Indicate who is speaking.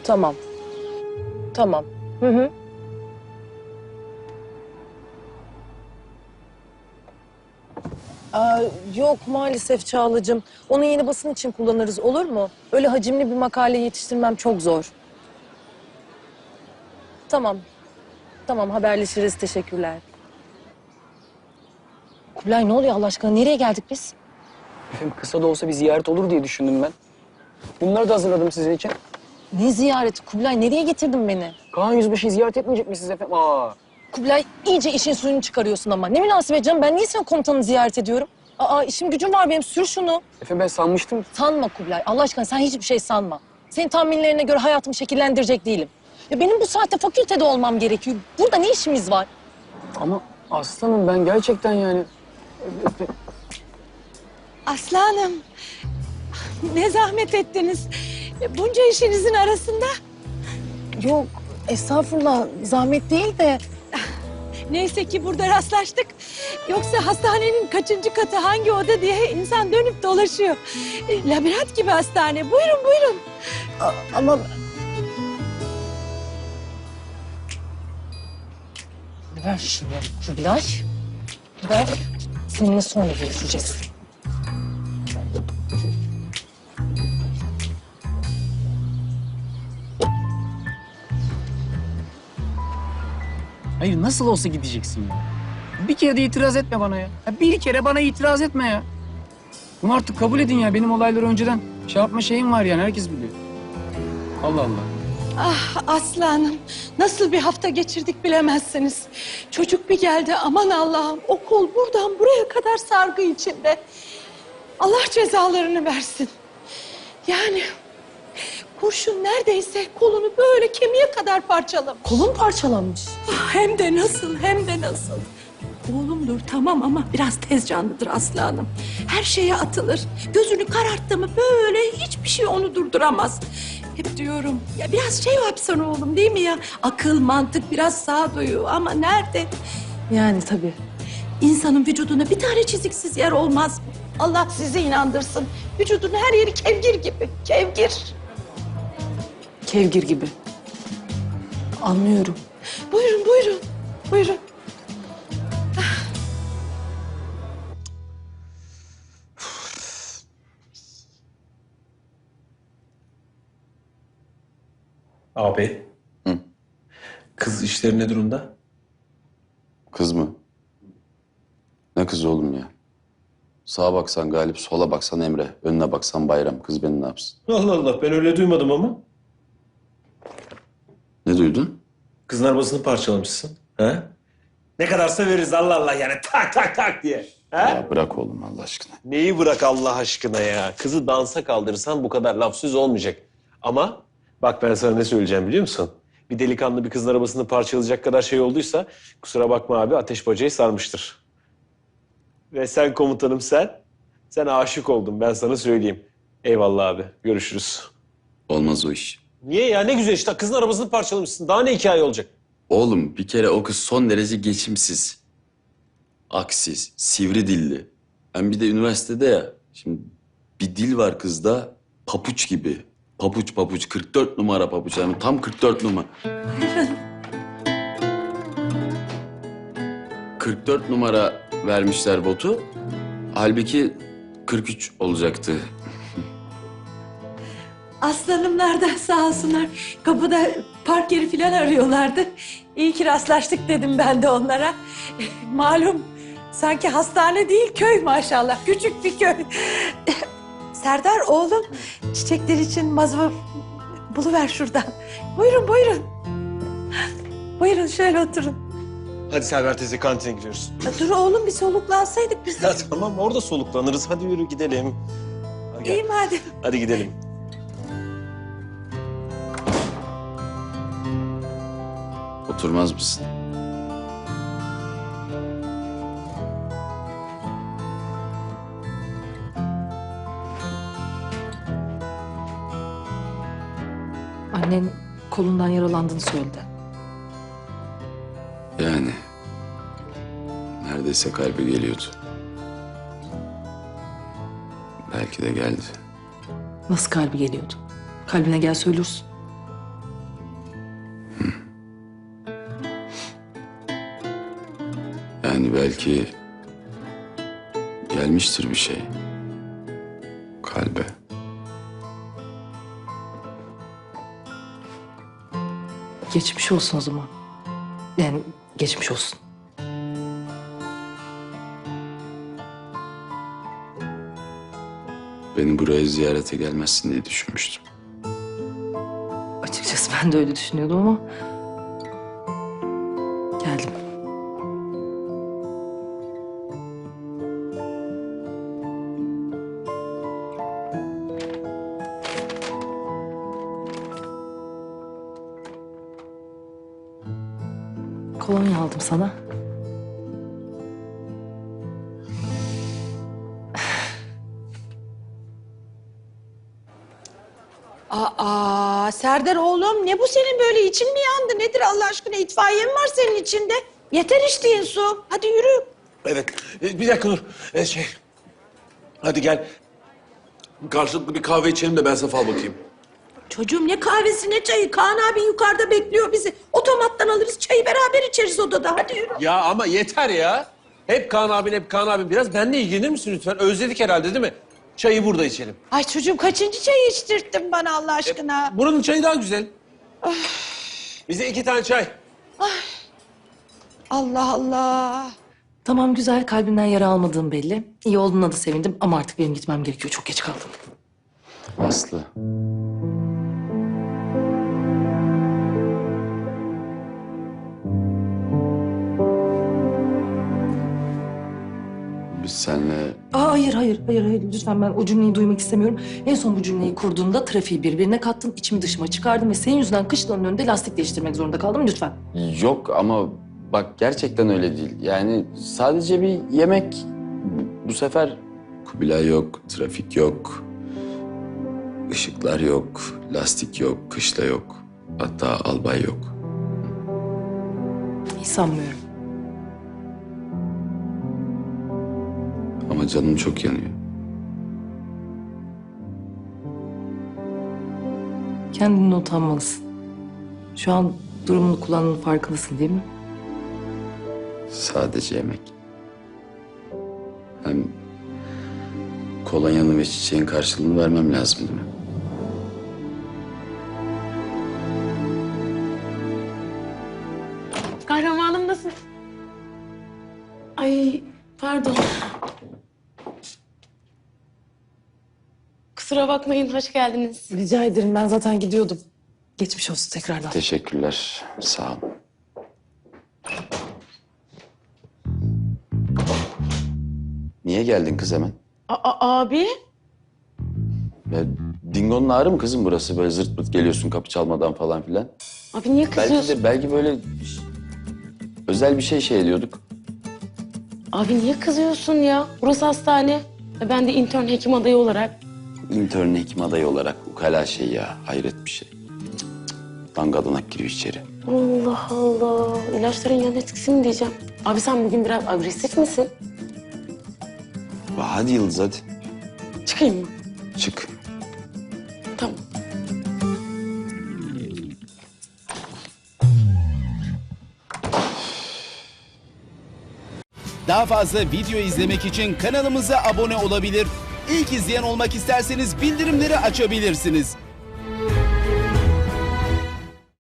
Speaker 1: Tamam. Tamam. Hı hı. Aa, yok maalesef Çağla'cığım. Onu yeni basın için kullanırız, olur mu? Öyle hacimli bir makale yetiştirmem çok zor. Tamam. Tamam, haberleşiriz. Teşekkürler. Kubilay, ne oluyor Allah aşkına? Nereye geldik biz?
Speaker 2: Efendim kısa da olsa bir ziyaret olur diye düşündüm ben. Bunları da hazırladım sizin için.
Speaker 1: Ne ziyareti? Kubilay, nereye getirdin beni?
Speaker 2: Kaan Yüzbaşı'yı ziyaret etmeyecek misiniz efendim?
Speaker 1: Kubilay, iyice işin suyunu çıkarıyorsun ama. Ne münasebet canım, ben niye senin komutanını ziyaret ediyorum? Aa, işim gücüm var benim, sür şunu.
Speaker 2: Efendim ben sanmıştım.
Speaker 1: Sanma Kubilay, Allah aşkına sen hiçbir şey sanma. Senin tahminlerine göre hayatımı şekillendirecek değilim. Ya benim bu saatte fakültede olmam gerekiyor. Burada ne işimiz var?
Speaker 2: Ama aslanım ben gerçekten yani...
Speaker 3: Aslanım, ne zahmet ettiniz. Bunca işinizin arasında.
Speaker 1: Yok, estağfurullah, zahmet değil de...
Speaker 3: Neyse ki burada rastlaştık. Yoksa hastanenin kaçıncı katı, hangi oda diye insan dönüp dolaşıyor. Labirent gibi hastane. Buyurun, buyurun.
Speaker 1: Ama... Ver şunu Kubilay. Ver. Seninle sonra görüşeceğiz.
Speaker 2: Hayır nasıl olsa gideceksin ya. Bir kere de itiraz etme bana ya. Bir kere bana itiraz etme ya. Bunu artık kabul edin ya. Benim olayları önceden şey yapma şeyim var yani. Herkes biliyor. Allah Allah.
Speaker 3: Ah aslanım, nasıl bir hafta geçirdik bilemezsiniz. Çocuk bir geldi, aman Allah'ım. O kol buradan buraya kadar sargı içinde. Allah cezalarını versin. Yani kurşun neredeyse kolunu böyle kemiğe kadar parçalamış.
Speaker 1: Kolun parçalanmış.
Speaker 3: Ah, hem de nasıl, hem de nasıl. Oğlumdur tamam ama biraz tez canlıdır aslanım. Her şeye atılır. Gözünü kararttı mı böyle hiçbir şey onu durduramaz. Hep diyorum ya biraz şey yapsana oğlum değil mi ya? Akıl, mantık, biraz sağduyu ama nerede?
Speaker 1: Yani tabii.
Speaker 3: İnsanın vücuduna bir tane çiziksiz yer olmaz mı? Allah sizi inandırsın. Vücudun her yeri kevgir gibi, kevgir.
Speaker 1: Kevgir gibi. Anlıyorum.
Speaker 3: Buyurun, buyurun, buyurun.
Speaker 4: Abi.
Speaker 5: Hı.
Speaker 4: Kız işleri ne durumda?
Speaker 5: Kız mı? Ne kız oğlum ya? Sağa baksan Galip, sola baksan Emre, önüne baksan Bayram. Kız beni ne yapsın?
Speaker 4: Allah Allah ben öyle duymadım ama.
Speaker 5: Ne duydun?
Speaker 4: Kızın arabasını parçalamışsın. Ha? Ne kadarsa veririz Allah Allah yani tak tak tak diye. Ha?
Speaker 5: Ya bırak oğlum Allah aşkına.
Speaker 4: Neyi bırak Allah aşkına ya? Kızı dansa kaldırırsan bu kadar laf söz olmayacak. Ama bak ben sana ne söyleyeceğim biliyor musun? Bir delikanlı bir kızın arabasını parçalayacak kadar şey olduysa kusura bakma abi ateş bacayı sarmıştır. Ve sen komutanım sen aşık oldun ben sana söyleyeyim. Eyvallah abi görüşürüz.
Speaker 5: Olmaz o iş.
Speaker 4: Niye ya ne güzel işte kızın arabasını parçalamışsın daha ne hikaye olacak?
Speaker 5: Oğlum bir kere o kız son derece geçimsiz. Aksiz, sivri dilli. Hem bir de üniversitede ya. Şimdi bir dil var kızda papuç gibi. Papuç papuç 44 numara papuç yani tam 44 numara. 44 numara vermişler botu. Halbuki 43 olacaktı.
Speaker 3: Aslanımlar da sağ olsunlar. Kapıda park yeri falan arıyorlardı. İyi ki rastlaştık dedim ben de onlara. Malum sanki hastane değil köy maşallah. Küçük bir köy. Serdar oğlum çiçekler için mazva buluver şuradan. Buyurun buyurun. Buyurun şöyle oturun.
Speaker 4: Hadi Selver teyze kantine gidiyoruz.
Speaker 3: Ya dur oğlum bir soluklansaydık biz de.
Speaker 4: Ya tamam orada soluklanırız hadi yürü gidelim. Hadi gel.
Speaker 3: İyi madem.
Speaker 4: Hadi gidelim.
Speaker 5: Oturmaz mısın?
Speaker 1: Annen kolundan yaralandığını söyledi.
Speaker 5: Yani neredeyse kalbi geliyordu. Belki de geldi.
Speaker 1: Nasıl kalbi geliyordu? Kalbine gel söylürsün.
Speaker 5: Yani belki gelmiştir bir şey. Kalbe.
Speaker 1: Geçmiş olsun o zaman. Yani geçmiş olsun.
Speaker 5: Beni buraya ziyarete gelmezsin diye düşünmüştüm.
Speaker 1: Açıkçası ben de öyle düşünüyordum ama... geldim. Kolonya aldım sana.
Speaker 3: Aa Serdar oğlum ne bu senin böyle için mi yandı? Nedir Allah aşkına itfaiye mi var senin içinde? Yeter içtiğin su. Hadi yürü.
Speaker 4: Evet. Bir dakika dur. Hadi gel. Karşılıklı bir kahve içelim de ben sana fal bakayım.
Speaker 3: Çocuğum ne kahvesi ne çayı. Kaan abi yukarıda bekliyor bizi. Otomattan alırız çayı beraber içeriz odada. Hadi yürü.
Speaker 4: Ya ama yeter ya. Hep Kaan abin, hep Kaan abin. Biraz benimle ilgilenir misin lütfen? Özledik herhalde değil mi? Çayı burada içelim.
Speaker 3: Ay çocuğum kaçıncı çayı içtirttin bana Allah aşkına?
Speaker 4: Buranın çayı daha güzel. Bize 2 tane çay.
Speaker 3: Allah Allah.
Speaker 1: Tamam güzel, kalbimden yara almadığım belli. İyi olduğuna da sevindim ama artık benim gitmem gerekiyor. Çok geç kaldım.
Speaker 5: Aslı. Biz seninle
Speaker 1: Aa, hayır. Lütfen ben o cümleyi duymak istemiyorum. En son bu cümleyi kurduğumda trafiği birbirine kattım, içimi dışıma çıkardım ve senin yüzünden kışlanın önünde lastik değiştirmek zorunda kaldım. Lütfen.
Speaker 5: yok ama bak gerçekten öyle değil. Yani sadece bir yemek bu sefer Kubilay yok, trafik yok, ışıklar yok, lastik yok, kışla yok. Hatta albay yok.
Speaker 1: Hiç sanmıyorum.
Speaker 5: Ama canım çok yanıyor.
Speaker 1: Kendini utanmalısın. Şu an durumunu kullandığının farkındasın değil mi?
Speaker 5: Sadece yemek. Hem kolonyanın ve çiçeğin karşılığını vermem lazım değil mi?
Speaker 6: Kahramanım nasıl? Ay pardon. Kusura bakmayın, hoş geldiniz.
Speaker 1: Rica ederim, ben zaten gidiyordum. Geçmiş olsun tekrardan.
Speaker 5: Teşekkürler. Sağ ol. Niye geldin kız hemen?
Speaker 6: Abi?
Speaker 5: Ya, Dingo'nun ağrı mı kızım burası? Böyle zırt pırt geliyorsun kapı çalmadan falan filan.
Speaker 6: Abi niye kızıyorsun?
Speaker 5: Belki böyle özel bir şey ediyorduk.
Speaker 6: Abi niye kızıyorsun ya? Burası hastane. Ben de intern hekim adayı olarak.
Speaker 5: İntern hekim adayı olarak ukala şey ya. Hayret bir şey. Dangadanak giriyor içeri.
Speaker 6: Allah Allah. İlaçların yan etkisi mi diyeceğim? Abi sen bugün biraz agresif misin?
Speaker 5: Hadi Yıldız hadi.
Speaker 6: Çıkayım mı?
Speaker 5: Çık.
Speaker 6: Tamam.
Speaker 7: Daha fazla video izlemek için kanalımıza abone olabilir. İlk izleyen olmak isterseniz bildirimleri açabilirsiniz.